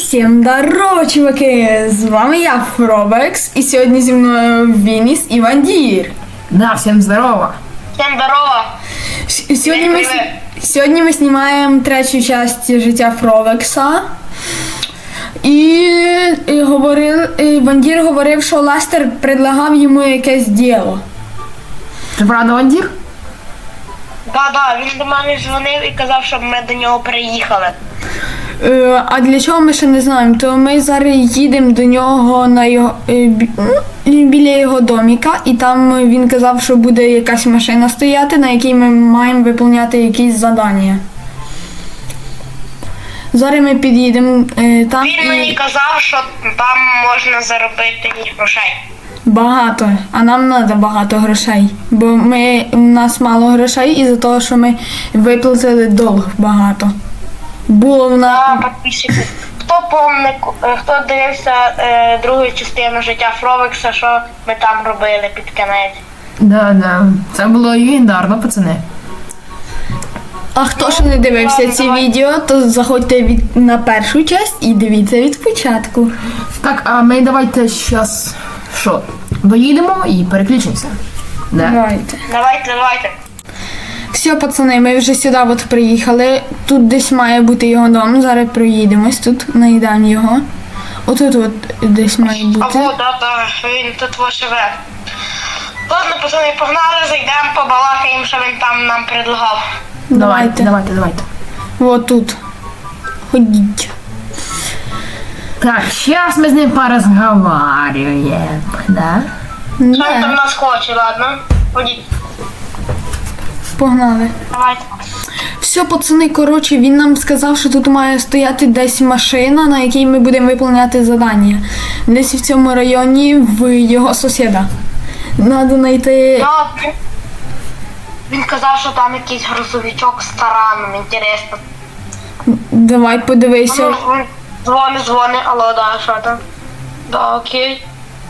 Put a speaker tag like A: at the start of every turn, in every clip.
A: Всім здорово, чуваки! З вами я, Фробекс, і сьогодні зі мною Вініс і Вандір.
B: Да, всем здорово.
C: Всем здорово.
A: Сьогодні ми знімаємо третю частину життя Фробекса. І Вандір говорив, що Лестер предлагав йому якесь діло.
B: Це правда, Вандір?
C: Да, він до мене дзвонив і казав, щоб ми до нього приїхали.
A: А для чого ми ще не знаємо, то ми зараз їдемо до нього на його, біля його доміка, і там він казав, що буде якась машина стояти, на якій ми маємо виконувати якісь завдання. Зараз ми під'їдемо там.
C: Він мені казав, що там можна заробити грошей.
A: Багато, а нам треба багато грошей, бо у нас мало грошей із-за того, що ми виплатили долг багато. Було в нас...
C: Підписчики. Хто дивився другу частину життя Фробекса, що ми там робили під кінець?
B: Да. Це було легендарно, пацани.
A: А хто ще не дивився ці відео, то заходьте на першу часть і дивіться від початку.
B: Так, а ми давайте зараз що? Доїдемо і переключимося. Да?
A: Давайте. Все, пацани, ми вже сюди от приїхали. Тут десь має бути його дом. Зараз проїдемось тут, знайдемо його. Отут от десь має бути.
C: Да, він тут живе. Ладно, пацани, погнали, зайдемо, побалакаємо, що він там нам предлагав.
B: Давайте.
A: Вот тут. Ходіть.
B: Так, зараз ми з ним порозговарюємо, да?
C: Що він там нас хоче, ладно? Ходіть.
A: Погнали.
C: Давайте.
A: Все, пацани, коротше, він нам сказав, що тут має стояти десь машина, на якій ми будемо виконувати завдання. Десь в цьому районі в його сусіда. Надо знайти...
C: Він казав, що там якийсь грузовичок з тараном, інтересно.
A: Давай подивися.
C: Дзвони, алло, да, що там? Да, окей.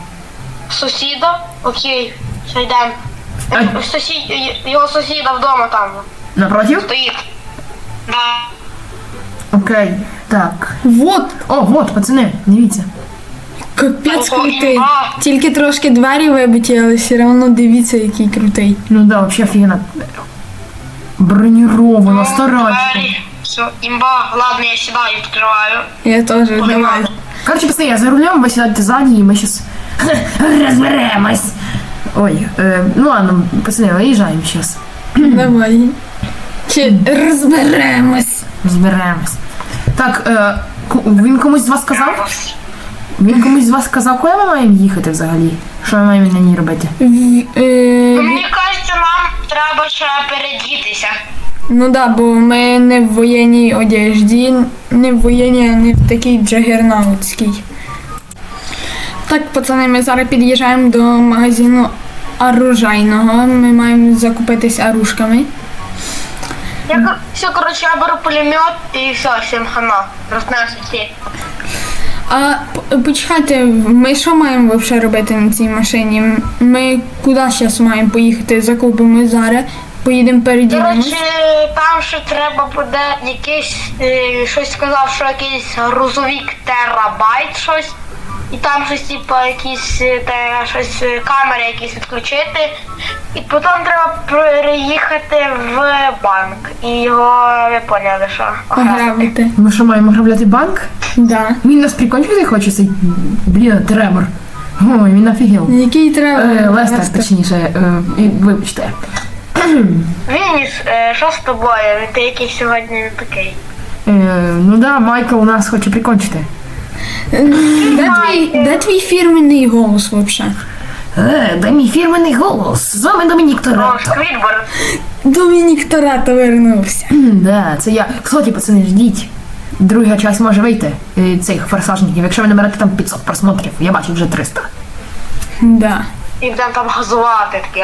C: Сусіда? Окей, все, йдемо. Його сусіда вдома там.
B: Напротив?
C: Стоїть. Да.
B: Окей, так.
A: Вот.
B: Вот, пацани, дивіться.
A: Капець
C: Ого,
A: крутий.
C: імба.
A: Тільки трошки двері вибиті, але все одно дивіться, який крутий.
B: Ну да, вообще офігенно. Бронировано, старательно.
C: Все, имба. Ладно, я сідаю, відкриваю.
A: Я теж, давай.
B: Короче, пацаны, я за рулем, вы сидите сзади, и мы сейчас разберемся. Ой, ну ладно, пацаны, выезжаем сейчас.
A: Давай. Чи розберемось.
B: Разберемся. Так, він комусь з вас сказав? Він комусь з вас сказав, куди ми маємо їхати взагалі? Що ми маємо на ній робити?
C: Мені кажеться, нам треба ще передітися.
A: Ну да, бо ми не в воєнній одежді, не в воєнній, а не в такій джагернаутській. Так, пацани, ми зараз під'їжджаємо до магазину оружейного. Ми маємо закупитись оружками.
C: Все, короче, я беру пулемет і все, всім хана. Рознесу всі.
A: А почекайте, ми що маємо взагалі робити на цій машині? Ми куди зараз маємо поїхати? Закупимо зараз, поїдемо переділимось.
C: Короче, там ще треба буде якийсь, щось сказав, що якийсь грузовик терабайт щось. І там щось, типу, якісь камери якісь відключити. І потім треба приїхати в банк. І його, ви поняли, що?
A: Ограбити.
B: Ми що, маємо ограбляти банк?
A: Да.
B: Він нас прикончити хоче цей, блін, Тремор. Ой, він офігел.
A: Який треба?
B: Лестер, точніше, вибачте.
C: Вініс, що з тобою? Ти якийсь сьогодні не такий.
B: Ну да, Майкл у нас хоче прикончити.
A: Де твій фірменний голос взагалі?
B: Де мій фірменний голос? З вами Домінік
C: О,
B: Торетто.
C: Сквідвард.
A: Домінік Торетто вернувся.
B: Да, це я. Кстати, пацани, ждіть. Друга часть може вийти цих форсажників. Якщо ви наберете там 500 просмотрів, я бачу вже 300.
A: Да.
C: І будемо там газувати такі.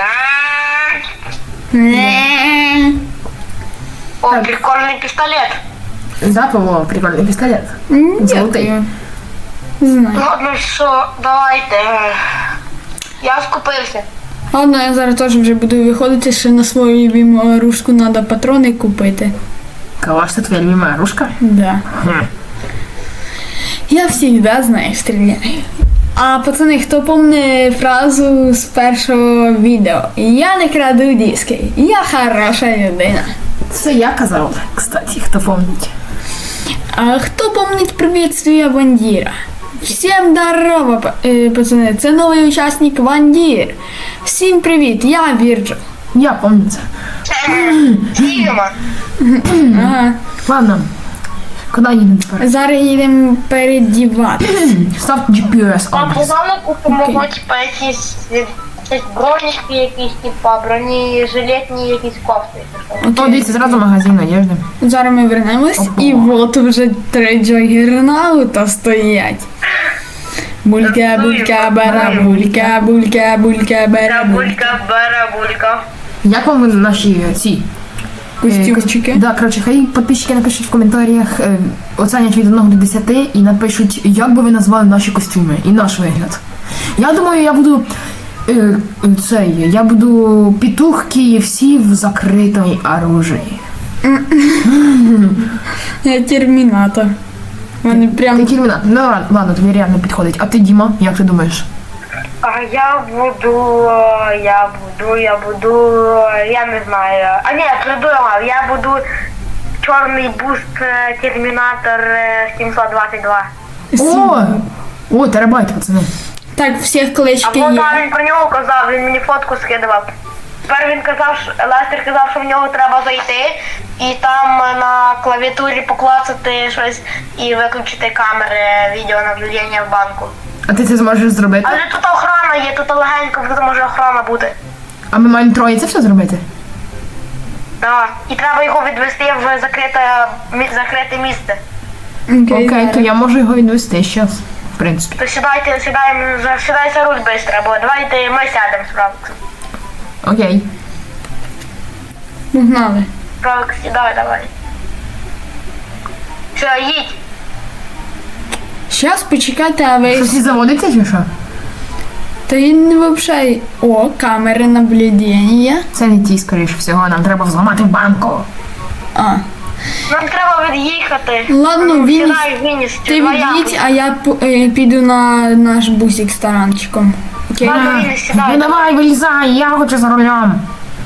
C: О, прикольний пістолет.
B: Да, Павло, прикольний пістолет. Золотий.
A: Дякую. Знаю.
C: Ладно, що, давайте. Я скупився.
A: Ладно, я зараз теж вже буду виходити, ще на свою любиму оружку треба патрони купити.
B: Калаш, це твоя любима оружка?
A: Да. Я всегда знаю, стреляю. А пацани, хто помне фразу з першого відео? Я не краду диски, я хороша людина.
B: Це я казав, кстати, хто помнить.
A: А хто помнить приветствие Вандіра? Всім здорово, пацани, це новий учасник Вандір. Всім привіт, я Вірджил.
B: Я помню це.
C: Діма.
A: Ага.
B: Ладно, куди їдемо тепер?
A: Зараз їдемо передівати.
B: Ставте GPS
C: А
B: адрес.
C: погано купимо, типа, якісь бронічки, якісь, типа, бронежилетні якісь кофти.
B: О, дивіться, зразу магазин одежди.
A: Зараз ми вернемось
B: Опа.
A: і от вже 3 джагернаута стоять. Булька, булька, барабулька, булька, булька, барабулька.
C: Барабулька.
B: Як вам наші ці?
A: Костюмчики.
B: Да, коротше, хай підписчики напишуть в коментарях, оцінять від 1 до 10 і напишуть, як би ви назвали наші костюми і наш вигляд. Я думаю, я буду я буду петух KFC в закритій оружии.
A: Я термінатор. Вони
B: Ти
A: прям
B: термінатор. Ну ладно, тобі реально підходить. А ти, Діма, як ти думаєш?
C: А я не знаю. А ні, придумав, я буду чорний буст Термінатор 722.
B: О, терабайт, пацани.
A: так, всіх
C: А
A: клички
C: вона
A: є.
C: він про нього казав, він мені фотку скидував. Тепер він казав, Лестер казав, що в нього треба зайти і там на клавіатурі поклацати щось і виключити камери відеонаблюдення в банку.
B: А ти це зможеш зробити?
C: Але тут охорона є, тут легенько, тут може охорона бути.
B: А ми маємо троє це все зробити?
C: Так. І треба його відвести в закрите місце.
B: Окей,
A: зараз.
B: то я можу його відвести зараз, в принципі.
C: То сідай за руль швидко, бо давайте ми сядемо справді.
B: Окей.
A: Погнали.
C: Правик, сідай, давай. Все, їдь.
A: Щас почекайте, а ви...
B: Щось і заводиться чи що?
A: Та він вообще... О, камери наблюдення.
B: Це не ті, скоріше всього, нам треба взламати банку.
A: А,
C: Нам треба від'їхати.
A: Ладно,
C: Ну,
A: він-
C: сідай, виніс,
A: ти від'їдь, а я піду на наш бусик з таранчиком. Окей?
C: Ладно, Вінніс,
B: Ну
C: сідай.
B: давай, вилізай, я хочу за рулем.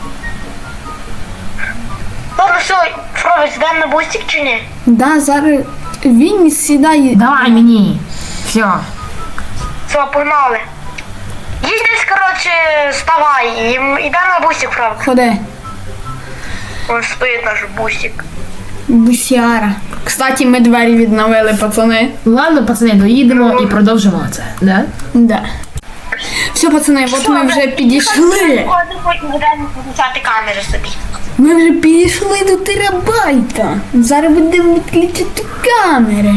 C: Ладно, все, Фровець, йдемо на бустик чи ні?
A: Да, зараз він сідає.
B: Давай мені. Все.
C: Все, погнали. Їдь десь, коротше, вставай, йдемо на бустик, Фровець.
A: Ходи.
C: Ось стоїть наш бустик.
A: Бусяра. Кстати, ми двері відновили, пацани.
B: Ладно, пацани, доїдемо і продовжимо це, да?
A: Да. Все, пацани, от ми вже підійшли.
C: Будемо включати камери собі.
A: Ми вже підійшли до терабайта. Зараз будемо відключити камери.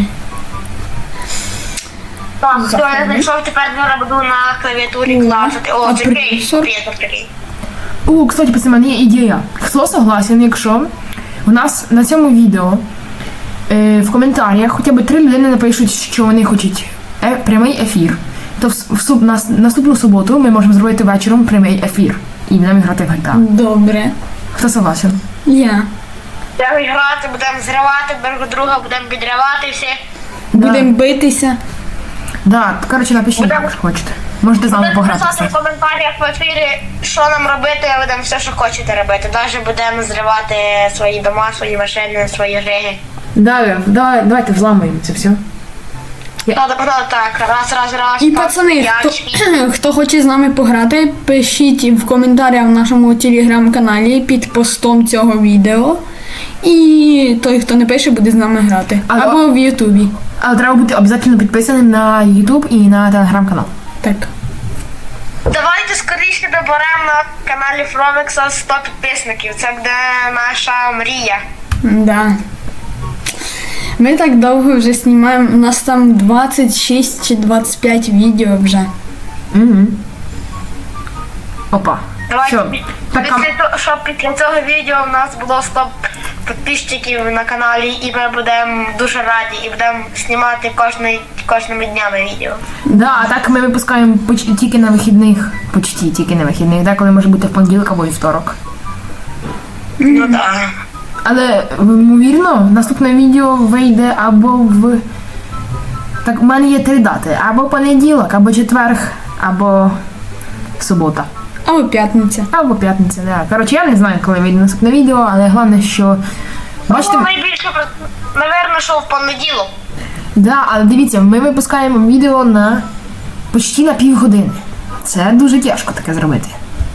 C: Так, все, я знайшов, тепер я буду на клавіатурі клацати. О,
A: А
C: це крій,
A: процесор?
C: приємно такий.
B: О, кстати, пацани, в мене є ідея. Хто согласен, якщо у нас на цьому відео в коментарях хоча б 3 людини напишуть, що вони хочуть прямий ефір, то наступну суботу ми можемо зробити вечором прямий ефір і будемо грати в GTA.
A: Добре.
B: Хто согласен?
A: Я.
C: Будемо грати, будемо зривати друг друга, будемо підривати всіх.
A: Будемо битися.
B: Да, коротше, напишіть,
C: Будемо-
B: якщо хочете. Можете з нами
C: Будемо
B: пограти.
C: писати в
B: кстати.
C: коментарях в ефірі, що нам робити, а будемо все, що хочете робити. Навіть будемо зривати свої дома, свої машини, свої риги.
B: Давайте взламуємо це все.
C: Так, раз.
A: І
C: так,
A: пацани,
C: п'ять.
A: хто хоче з нами пограти, пишіть в коментарях в нашому телеграм-каналі під постом цього відео. І той, хто не пише, буде з нами грати.
B: Але-
A: Або в Ютубі.
B: Але треба бути обов'язково підписаним на YouTube і на телеграм-канал.
A: Так.
C: Давайте скоріше доберемо на каналі Фровекса 100 підписників. Це буде наша мрія.
A: Да. Ми так довго вже знімаємо. У нас там 26 чи 25 відео вже.
B: Угу. Опа.
C: Давайте,
B: Що? Так,
C: щоб після цього відео в нас було 100 підписчиків на каналі, і ми будемо дуже раді, і будемо знімати кожними днями відео.
B: Да, а так ми випускаємо тільки на вихідних. Почти тільки на вихідних, деколи може бути в понеділок або вівторок.
C: Ну так.
B: Але, ймовірно, наступне відео вийде або в Так, у мене є 3 дати. Або понеділок, або четверг, або субота.
A: Або п'ятниця.
B: Або п'ятниця, да. Коротше, я не знаю, коли вийде наступне відео, але головне, що... Бачите,
C: Ну, найбільше, напевно, що в понеділок.
B: да, але дивіться, ми випускаємо відео на почти на півгодини. Це дуже тяжко таке зробити.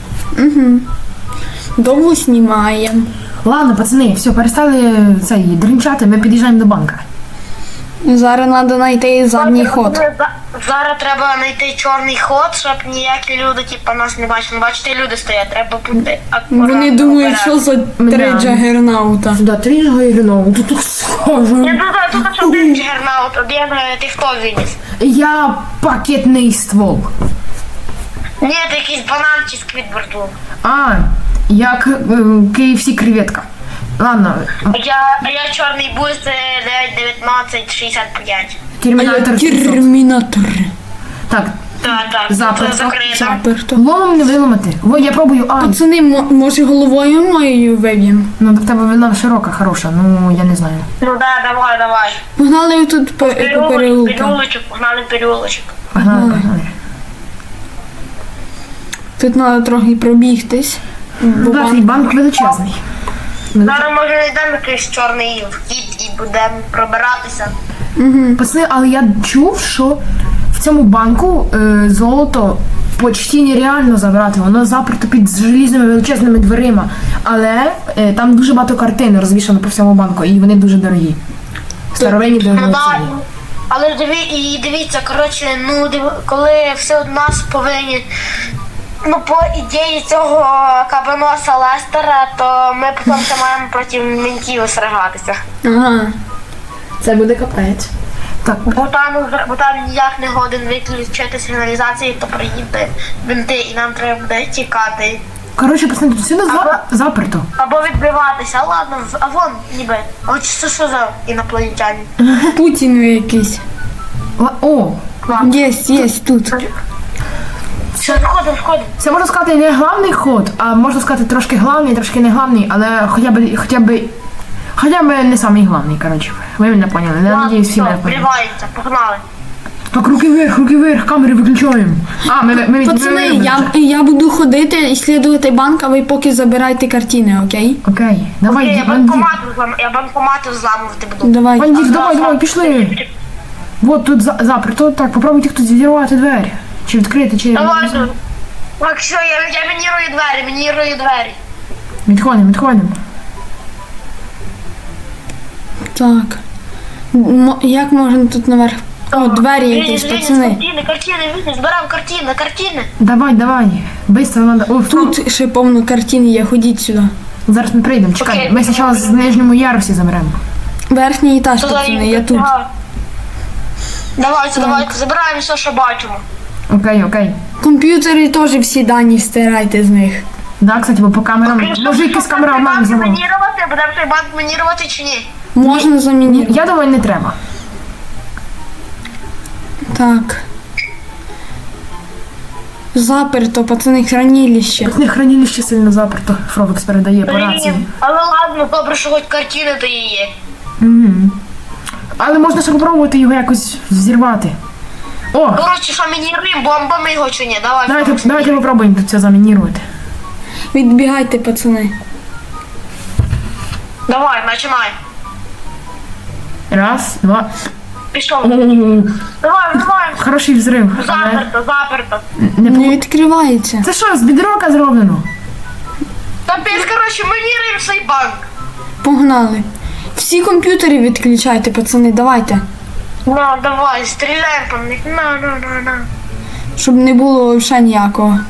A: Довго знімаємо.
B: Ладно, пацани, все, перестали цей дринчати, ми під'їжджаємо до банка.
A: Зараз треба знайти задній ход.
C: Зараз треба знайти чорний ход, щоб ніякі люди, типу, нас не бачили. Бачите, люди стоять, треба бути акуратно.
A: Вони думають, що за 3
B: Да.
A: джагернаута.
B: Да, 3 джагернаута, тут так схоже.
C: Я тут що один джигернаут, один ти хто виніс?
B: Я пакетний ствол.
C: Ні, це якийсь банан чи сквідвард був.
B: А, як KFC креветка. Ладно,
C: Я чорний буст 91965.
B: термінатор 700.
A: Термінатор.
B: Так,
C: Так,
B: Заперто.
C: це закрито.
A: Заперто.
B: ломом не виламати. О, я пробую,
A: Пацани, може головою моєю виб'ємо?
B: Ну, в тебе вона широка, хороша, ну, я не знаю.
C: Ну да, давай.
A: Погнали тут по переулку.
C: Переулочок, погнали переулочок.
B: Погнали, погнали.
A: Тут треба трохи пробігтись. Бо
B: Да, цей банк величезний.
C: Зараз може знайдемо якийсь чорний вхід і будемо пробиратися.
B: Пацани, але я чув, що в цьому банку золото почти нереально забрати. Воно заперто під желізними величезними дверима. Але там дуже багато картин розвішано по всьому банку, і вони дуже дорогі. Старовинні
C: Ну
B: дорогі.
C: так. Але дивіться, коротше, коли все од нас повинні. Ну, по ідеї цього кабаноса Лестера, то ми потім ще маємо проти ментів сражатися.
A: Ага.
B: Це буде капець. Так,
C: Бо там ніяк не годен виключити сигналізації, то приїде менти, і нам треба буде тікати.
B: коротше, пацани, тут всюди заперто.
C: Або відбиватися. Ладно, а вон ніби. А от що за інопланетяні?
A: Путін якийсь.
B: О,
A: Є тут.
C: Все, входимо.
B: це можна сказати не главний ход, а можна сказати трошки главний, трошки не главний, але хоча б не самий главний, коротше. Ви мене поняли, я надіюсь, всі мене поняли.
C: вривається, погнали.
B: Так, руки вверх, камери виключаємо. А, ми
A: Пацани, я буду ходити і слідувати банк, а ви поки забирайте картини, окей?
B: Окей, давай,
C: Я
B: бандит.
C: банкомати зламувати буду.
A: Давай.
B: Бандит, давай, пішли. Вот тут заперто, так, попробуйте хтось відірвати двері. Чи відкрити, чи...
C: Давай. Так, все, я мінірую двері.
B: Відходимо.
A: Так. Як можна тут наверх? О, двері якісь, пацани.
C: Картини, збираємо картини.
B: Давай, быстро надо. О,
A: Тут ще повно картин є, ходіть сюди.
B: зараз ми прийдемо, чекай.
C: Окей.
B: Ми спочатку з нижньому ярусі заберемо.
A: Верхній етаж, пацани, я тут.
C: Давайте, забираємо все, що бачимо.
B: Окей.
A: Комп'ютери теж всі дані стирайте з них.
B: Да, кстати, бо по камерам. Може якась камера обману зламала.
C: Будемо цей банк мінірувати чи ні?
A: Можна замінити.
B: Я думаю, не треба.
A: Так. Заперто, пацани, хранилище.
B: Тут не хранилище сильно заперто. Фровекс передає по рації.
C: Але ладно, добре, що хоч картини то є.
B: Але можна ще попробувати його якось взірвати. О,
C: Коротше, що мініруємо, бомбами його чи ні?
B: давайте попробуємо тут це замінірувати.
A: Відбігайте, пацани.
C: Давай, починай.
B: Раз, два.
C: Пішов. Давай.
B: Хороший взрив. Але
C: Заперто.
A: Не відкривається.
B: це що, з бідрока зроблено?
C: Капець, коротше, мініруємо цей банк.
A: Погнали. Всі комп'ютери відключайте, пацани, давайте.
C: Давай, стріляємо по них. На.
A: Щоб не було взагалі ніякого.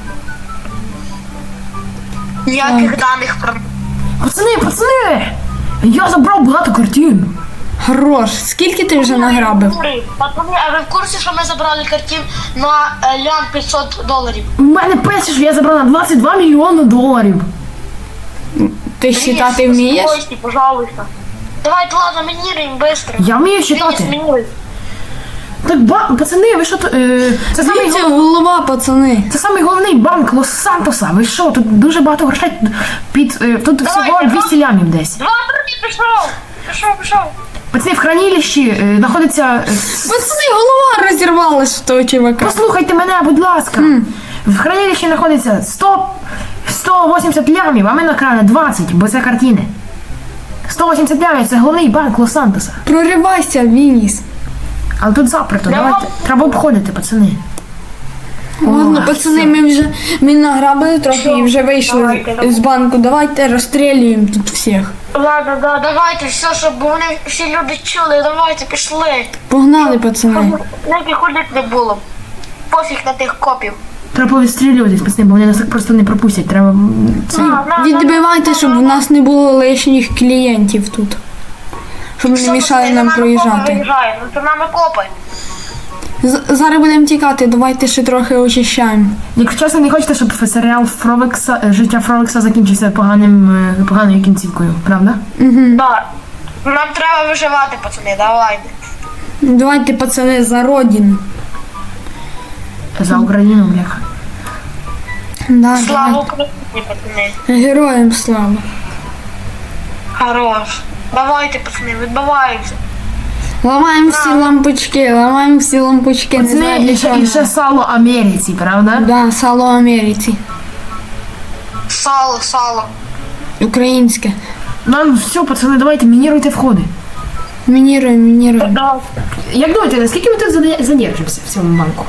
C: Ніяких даних про...
B: Пацани! Я забрав багато картин.
A: Хорош. Скільки ти вже награбив?
C: Пацани, а ви в курсі, що ми забрали картин на лям $500?
B: У мене пише, що я забрав на 22 мільйони доларів.
A: Ти считати вмієш?
C: Спокойся, пожалуйста. Давайте, ладно, мініруємо швидко.
B: Я вмію читати. Так, пацани, ви що тут? Це самий
A: Дивіться, голова, пацани.
B: Це самий головний банк Лос-Сантоса. Ви що? Тут дуже багато грошей. Тут всього 200 лямів десь.
C: 2 пішов.
B: Пацани, в хранилищі знаходиться...
A: Пацани, голова розірвалась в того чувака.
B: Послухайте мене, будь ласка. В хранилищі знаходиться 180 лямів, а ми накрали 20, бо це картини. 180 лямів – це головний банк Лос-Сантоса.
A: Проривайся, Вініс.
B: Але тут заперто, давайте. Треба обходити, пацани.
A: Ладно,
B: О,
A: пацани,
B: все.
A: ми награбили трохи і вже вийшли
C: Давайте.
A: з банку. Давайте розстрілюємо тут всіх.
C: Ладно, да, давайте, все, щоб вони всі люди чули, давайте, пішли.
A: Погнали, пацани.
C: Ніяких ходить не було. Пофіг на тих копів.
B: Треба повістрілюватись, пацани, бо вони нас так просто не пропустять. Треба... Це...
A: Відбивайте, щоб у нас не було лишніх клієнтів тут. Щоб не мішали нам проїжджати.
C: За нами копи.
A: Зараз будемо тікати, давайте ще трохи очищаємо.
B: Якщо чесно, не хочете, щоб серіал Фровекса, життя Фровекса закінчився поганою кінцівкою, правда?
C: Да. Нам треба виживати, пацани, давайте.
A: Давайте, пацани, за родину.
B: За Україну, бляха.
A: Да,
C: Слава
A: давайте.
C: Україні, пацани.
A: Героям слава.
C: Хорош. Давайте, пацани, відбиваємося.
A: Ламаємо всі лампочки, ламаємо всі лампочки. Не
B: Пацани,
A: знаю, для чого.
B: і ще сало Америці, правда?
A: Да, сало Америці.
C: Сало.
A: Українське.
B: Нам все, пацани, давайте, мініруйте входи.
A: Мініруємо.
C: Да.
B: Як думаєте, наскільки ми тут задержимося в цьому банку?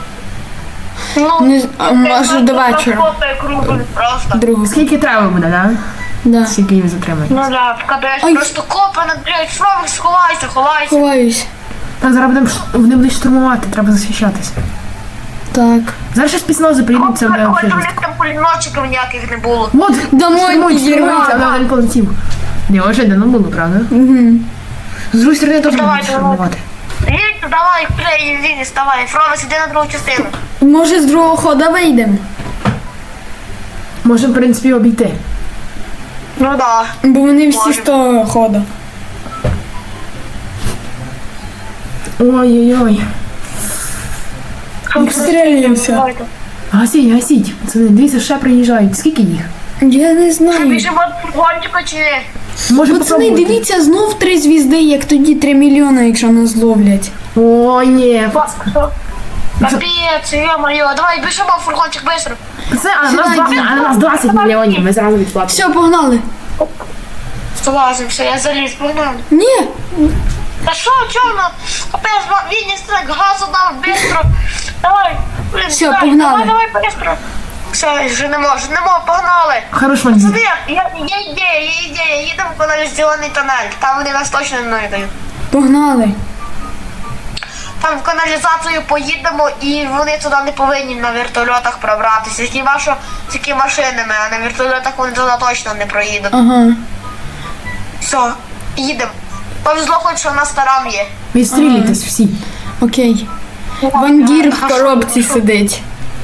A: Не з- а може до вечора.
C: Просто.
A: Другу.
B: Скільки треба буде, да?
A: Да.
B: Скільки їх затримають?
C: Ну да, вкадаєш
A: Ай.
C: просто копи надряють, Фровик, сховайся.
A: Ховаюсь.
B: Так, зараз вони будуть штурмувати, треба захищатися.
A: Так.
B: Зараз ще спецнази прийдуть, це буде
C: Ой,
B: взагалі
C: там
B: жорстко.
C: там пулеметчиків ніяких не було.
B: От,
A: Домой
B: штурмують,
A: підірвали.
B: але один полетів. Не, вже давно було, правда?
A: Угу.
B: З другої сторони теж
C: Давай,
B: будуть
C: давай.
B: штурмувати.
C: Їдь, давай, клей, Вінніс, давай. Фровик, іди на другу частину.
A: Може з другого хода вийдемо?
B: Можемо, в принципі, обійти.
C: Ну да.
A: Бо вони всі
C: Може.
A: з того хода.
B: Ой-ой-ой.
A: Відстрілюємося.
C: Давайте.
B: Гасіть, пацани, дивіться, ще приїжджають. Скільки їх?
A: Я не
C: Ми
A: знаю.
C: біжимо до фургончика чи ні?
B: Може
A: Пацани,
B: попробувати?
A: дивіться, знов 3 звізди, як тоді 3 мільйони, якщо нас зловлять.
B: Ой, ні.
C: Капець, ё-моё, давай біжимо в фургончик быстро.
B: Це, а на нас 20 мільйонів, ми зразу відплатимо.
A: Все, погнали.
C: Залазим, все, я заліз, погнали.
A: Ні,
C: Та що, чорно? Капець, Вінніс, так, газу дав, быстро. Давай, блін,
A: Все,
C: давай,
A: погнали.
C: Давай, быстро. Все, женемо, погнали.
B: Хорош вандір.
C: Смотри, є ідея, їдемо в каналізаційний тунель, там вони нас точно не знайдуть.
A: погнали.
C: Там в каналізацію поїдемо і вони туди не повинні на вертольотах пробратися. Хіба що тільки машинами, а на вертольотах вони туди точно не проїдуть.
A: Ага.
C: Все, їдемо. Повезло хоч, що в нас таран є.
B: Відстрілюйтесь всі.
A: Окей. Вандір в коробці сидить.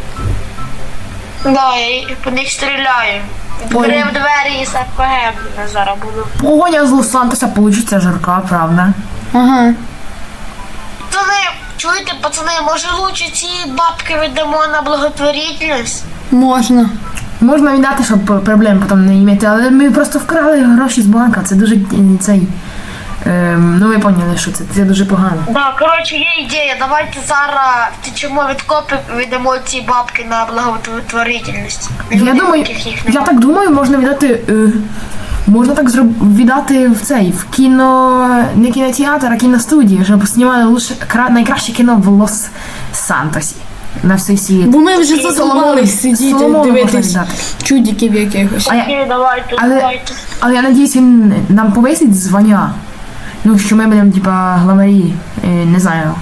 C: Да, я по них стріляю. Відкрив двері і з РПГ зараз буду.
B: Погоня з Лос-Сантоса получиться жарка, правда?
A: Ага.
C: Пацани, чуєте, пацани, може лучше ці бабки віддамо на благотворительність?
A: Можна.
B: Можна віддати, щоб проблем потім не мати, але ми просто вкрали гроші з банка, це дуже цей... ну ви поняли, що це дуже погано.
C: Да, коротше, є ідея, давайте зараз втечемо від копів, віддамо ці бабки на благотворительність.
B: Я думаю, я так думаю, можна віддати, можна так віддати в цей, в кіно, не кінотеатр, а кіностудію, щоб знімали лучше, найкраще кіно в Лос-Сантосі на всій світ.
A: Бо ми вже задумались сидіти,
B: Соломону можна
A: дивитись
B: віддати.
A: чудиків якихось.
B: А я,
C: Окей, давайте,
B: але,
C: давайте.
B: але я надіюсь, він нам повисить звання. Ну, що ми будемо, типа, главарі, не знаю,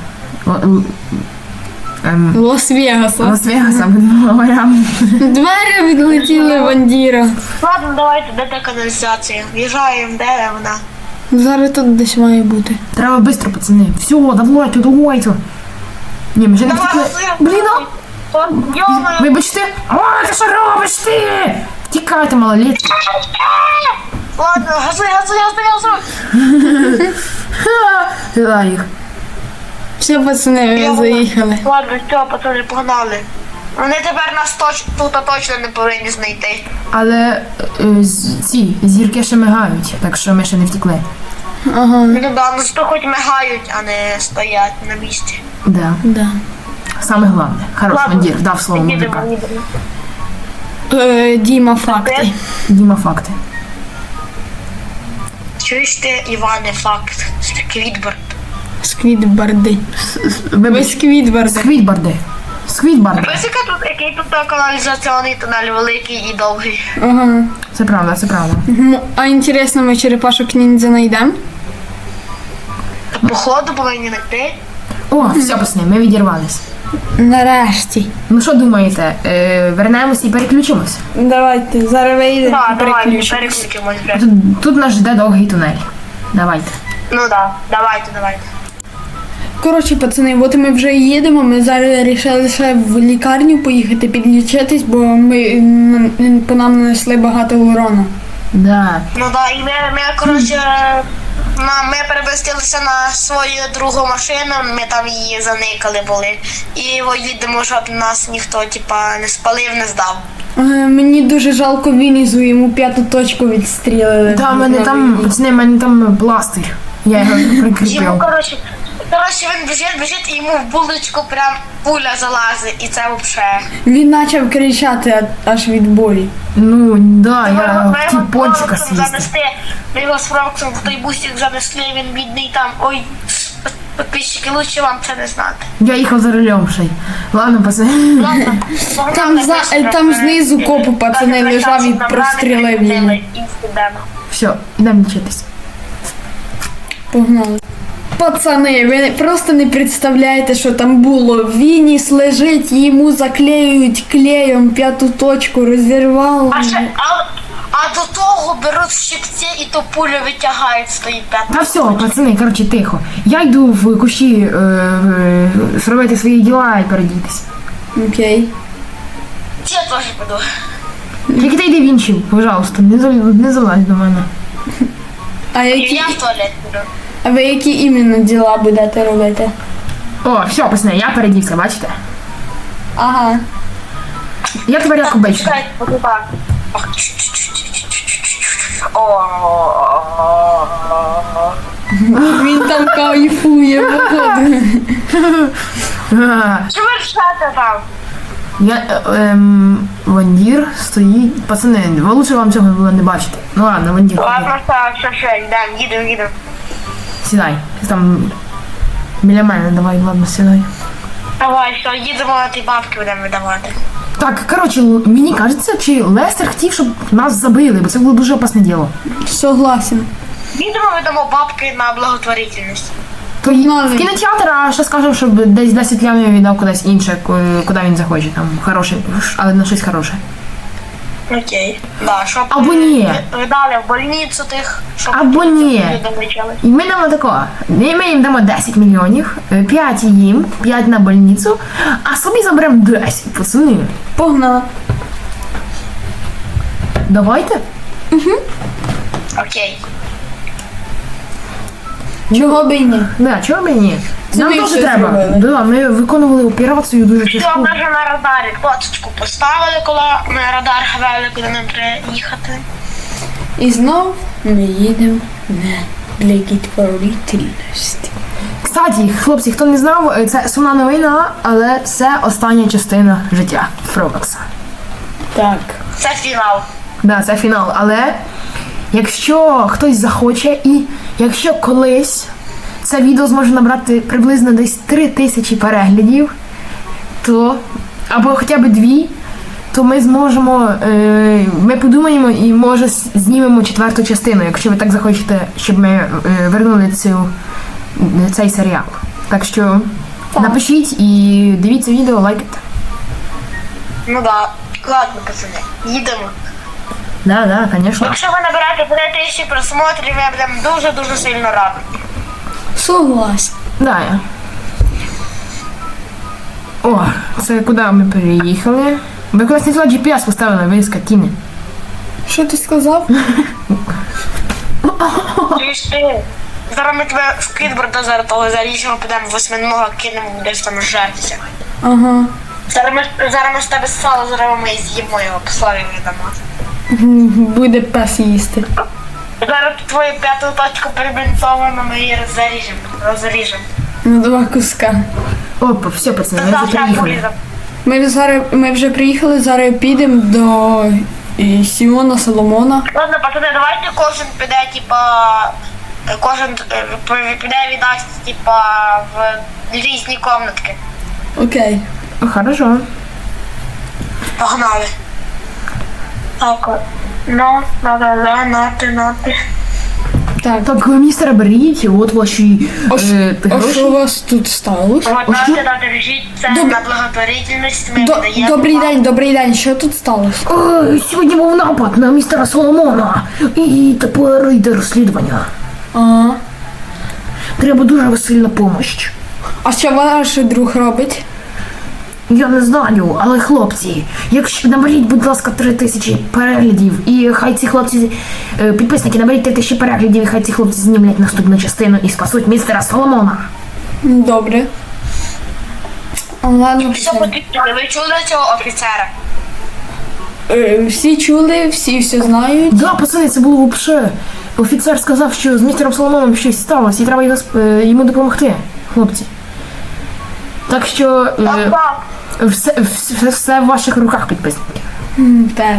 A: Лос-Вегаса.
B: Лас-Вегаса будемо главарям.
A: Двері відлетіли Вандіра.
C: Ладно, давайте, де та каналізація? В'їжджаємо, де вона?
A: Зараз тут десь має бути.
B: Треба швидко, пацани. Все, давайте. Ні, ми вже не втекли. Блін,
C: Йомаю.
B: вибачте. О, ти що робиш ти? Тікайте, малолітки.
C: Ладно, газуй.
B: Сюди їх.
A: Все, пацани, ми заїхали.
C: Ладно, все, пацани, погнали. Вони тепер нас тут точно не повинні знайти.
B: Але ці зірки ще мигають, так що ми ще не втекли.
A: Ага,
C: Ну да, ну що хоч мигають, а не стоять на місці.
B: Да.
A: да.
B: Саме головне. Хорош,
C: Ладно,
B: Вандір, дав слово
C: їдемо,
B: мужика.
C: їдемо.
A: Діма, факти.
B: Діма, факти.
C: Чуєш ти, Іване, факт? Квітборд.
A: Сквідбарди. Ви
B: Вибач.
A: сквідбарди.
B: Сквідбарди. Сквідбарди.
C: Ось який тут каналізаційний тунель великий і довгий.
A: Ага.
B: Це правда, це правда.
A: А інтересно, ми черепашок ніндзя знайдемо?
C: Походу повинні знайти.
B: О, все, пацани, ми відірвались.
A: Нарешті.
B: Ну що думаєте, вернемось і переключимось?
A: Давайте, зараз вийдемо
C: Так,
A: і
C: давайте,
A: переключимось.
C: переключимось вже.
B: Тут нас жде довгий тунель. Давайте.
C: Ну так, давайте.
A: Коротше, пацани, от ми вже їдемо, ми зараз вирішили ще в лікарню поїхати підлічитись, бо по нам нанесли багато урону.
B: Да.
C: Ну так, і ми коротше, ми перемістилися на свою другу машину, ми там її заникали були. І їдемо, щоб нас ніхто, типа, не спалив, не здав.
A: Мені дуже жалко Вінізу, йому п'яту точку відстрілили.
B: Та, мене там, пацани, мене там пластир. Я його
C: Йому,
B: прикріпив.
C: коротше, він біжить, і йому в булочку прям пуля залазить, і це взагалі.
A: Він почав кричати аж від болі.
B: Ну, да,
C: Ми
B: я
C: його
B: хотів пончика
C: Фроксом
B: з'їсти.
C: занести, ми його з Фроксом в той бусик занесли, він бідний там, ой, підписчики, лучше вам це не знати.
B: Я їхав за рулем ще й. Ладно, пацани.
C: Ладно,
A: Там знизу копу пацани лежав і прострілив йому.
B: Все, йдемо лічитись.
A: Погнали. Пацани, ви просто не представляєте, що там було. Вініс лежить, йому заклеюють клеєм п'яту точку, розірвало.
C: А до того беруть щипці і то пулю витягають з тої п'ятої.
B: Та все, пацани, коротше, тихо. Я йду в кущі зробити свої діла і передітись.
A: Окей.
C: Я теж піду.
B: Тільки ти йди в інші, пожалуйста, не залазь до мене.
A: А
C: І
A: які,
C: я в туалет піду.
A: а ви які іменно діла будете робити?
B: О, все, пацани, я передівся, бачите?
A: Ага.
B: Я тепер як обично.
C: Чекай, поки так. Ох, О.
A: Він там кайфує, походу.
C: Що ви рішаєте там?
B: Я, Вандір стоїть. Пацани, ви лучше вам цього було не бачити. Ну ладно, Вандір, ходи.
C: Ладно, так, все, їдемо.
B: Сідай. Ти там біля мене, давай, ладно, сідай.
C: Давай, все, їдемо на ті бабки будемо видавати.
B: Так, коротше, мені кажеться, чи Лестер хотів, щоб нас забили, бо це було дуже опасне діло.
A: Согласен.
C: Їдемо видамо бабки на благотворительність.
B: То в кінотеатр, а ще скажемо, щоб десь 10 лямів віддав кудись інше, куди він захоче, там хороше, але на щось хороше.
C: Окей. Да, щоб
B: Або ні.
C: видали в больницю тих, щоб
B: Або ні.
C: люди вичали.
B: І ми дамо такого. Ми їм дамо 10 мільйонів, 5 їм, 5 на больницю, а собі заберемо 10, пацани.
A: Погнали.
B: Давайте.
C: Окей.
A: Чого б і ні?
B: Да, чого б і ні?
A: Це
B: Нам
A: ми
B: теж
A: щось
B: треба.
A: зробили.
B: Да, ми виконували операцію дуже
C: Все,
B: тяжку.
C: ми вже на радарі точечку поставили, коли ми радар хавали, куди нам треба їхати.
A: І знов ми їдемо на благотворительність.
B: Кстати, хлопці, хто не знав, це сумна новина, але це остання частина життя Фробокса.
A: Так.
C: Це фінал.
B: Да, це фінал. Але якщо хтось захоче і якщо колись це відео зможе набрати приблизно десь 3000 переглядів, то або хоча б 2, то ми зможемо, ми подумаємо і може знімемо 4-ту частину, якщо ви так захочете, щоб ми вернули цей серіал. Так що напишіть і дивіться відео, лайкайте.
C: Ну да. Ладно, пацани, їдемо.
B: Да, звісно.
C: Якщо ви набираєте 1000 просмотрів, я будемо дуже-дуже сильно радий.
A: Согласен.
B: Да. О, це куди ми переїхали? Ви кудись не туди GPS поставили, ви скотіни.
A: Що ти сказав?
C: Чуєш ти? Зараз ми тебе в Квітборда зараз того заріжемо, підемо восьминога, кинемо десь там жертися.
A: Ага.
C: Зараз ми з тебе сало зробимо і з'їмо його, пославі віддамо.
A: Буде пес їсти.
C: Зараз твою п'яту точку перебінтовано, ми її розріжемо.
A: На два куска.
B: Опа, все, пацани, ми вже
C: Завтра
B: приїхали.
C: поліземо.
A: Ми вже приїхали, зараз підемо до Сімона Соломона.
C: Ладно, пацани, давайте кожен піде, типа, піде від нас, типа, в різні комнатки.
A: Окей.
B: Хорошо.
C: Погнали. Так, ну, нати.
A: Так.
B: Так, містер, беріть, от ваші
A: А
B: гроші.
A: що у вас тут сталося?
C: Вот
B: що?
C: нати, держіть, це
A: Доб-
C: на благотворительність, ми видаємо.
A: Добрий день, що тут сталося?
B: Сьогодні був напад на містера Соломона. І тепер йде розслідування.
A: Ага.
B: Треба дуже сильна помощь.
A: А що ваш друг робить?
B: Я не знаю, але хлопці, якщо наберіть, будь ласка, 3000 переглядів, і хай ці хлопці, підписники, наберіть 3000 переглядів, і хай ці хлопці знімлять наступну частину і спасуть містера Соломона.
A: Добре. Ладно,
C: Що
A: все.
C: потрібно? Ви чули цього офіцера?
A: Всі чули, всі все знають.
B: Да, пацани, це було вообще. Офіцер сказав, що з містером Соломоном щось сталося, і треба йому допомогти, хлопці. Так що
C: Так.
B: все в ваших руках, підписники.
A: Так.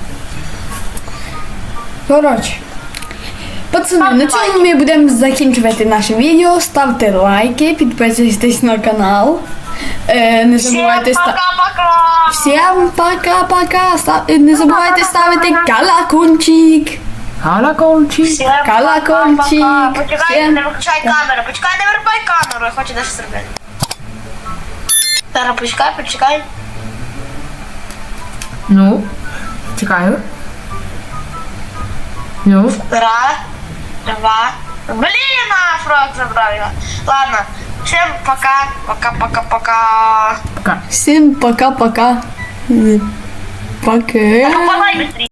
A: Коротше. Пацани, на цьому ми будемо закінчувати наше відео. Ставте лайки, підписуйтесь на канал. Не забувайте
C: Всім пока-пока!
A: Всім пока-пока. Не забувайте ставити колокольчик.
B: Колокольчик.
C: Всім
A: Колокольчик.
C: пока-пока. Почекай,
A: Всім
C: не виключай камеру. Почекай, не вирубай камеру, я хочу дещо зробити. Зараз почекай.
B: Ну, чекаю. Ну.
C: Раз, два. Блін, фрог забрав його. Ладно, всім пока. Пока-пока-пока.
B: Пока.
A: Всім пока-пока. Пока.
C: Давай быстрее.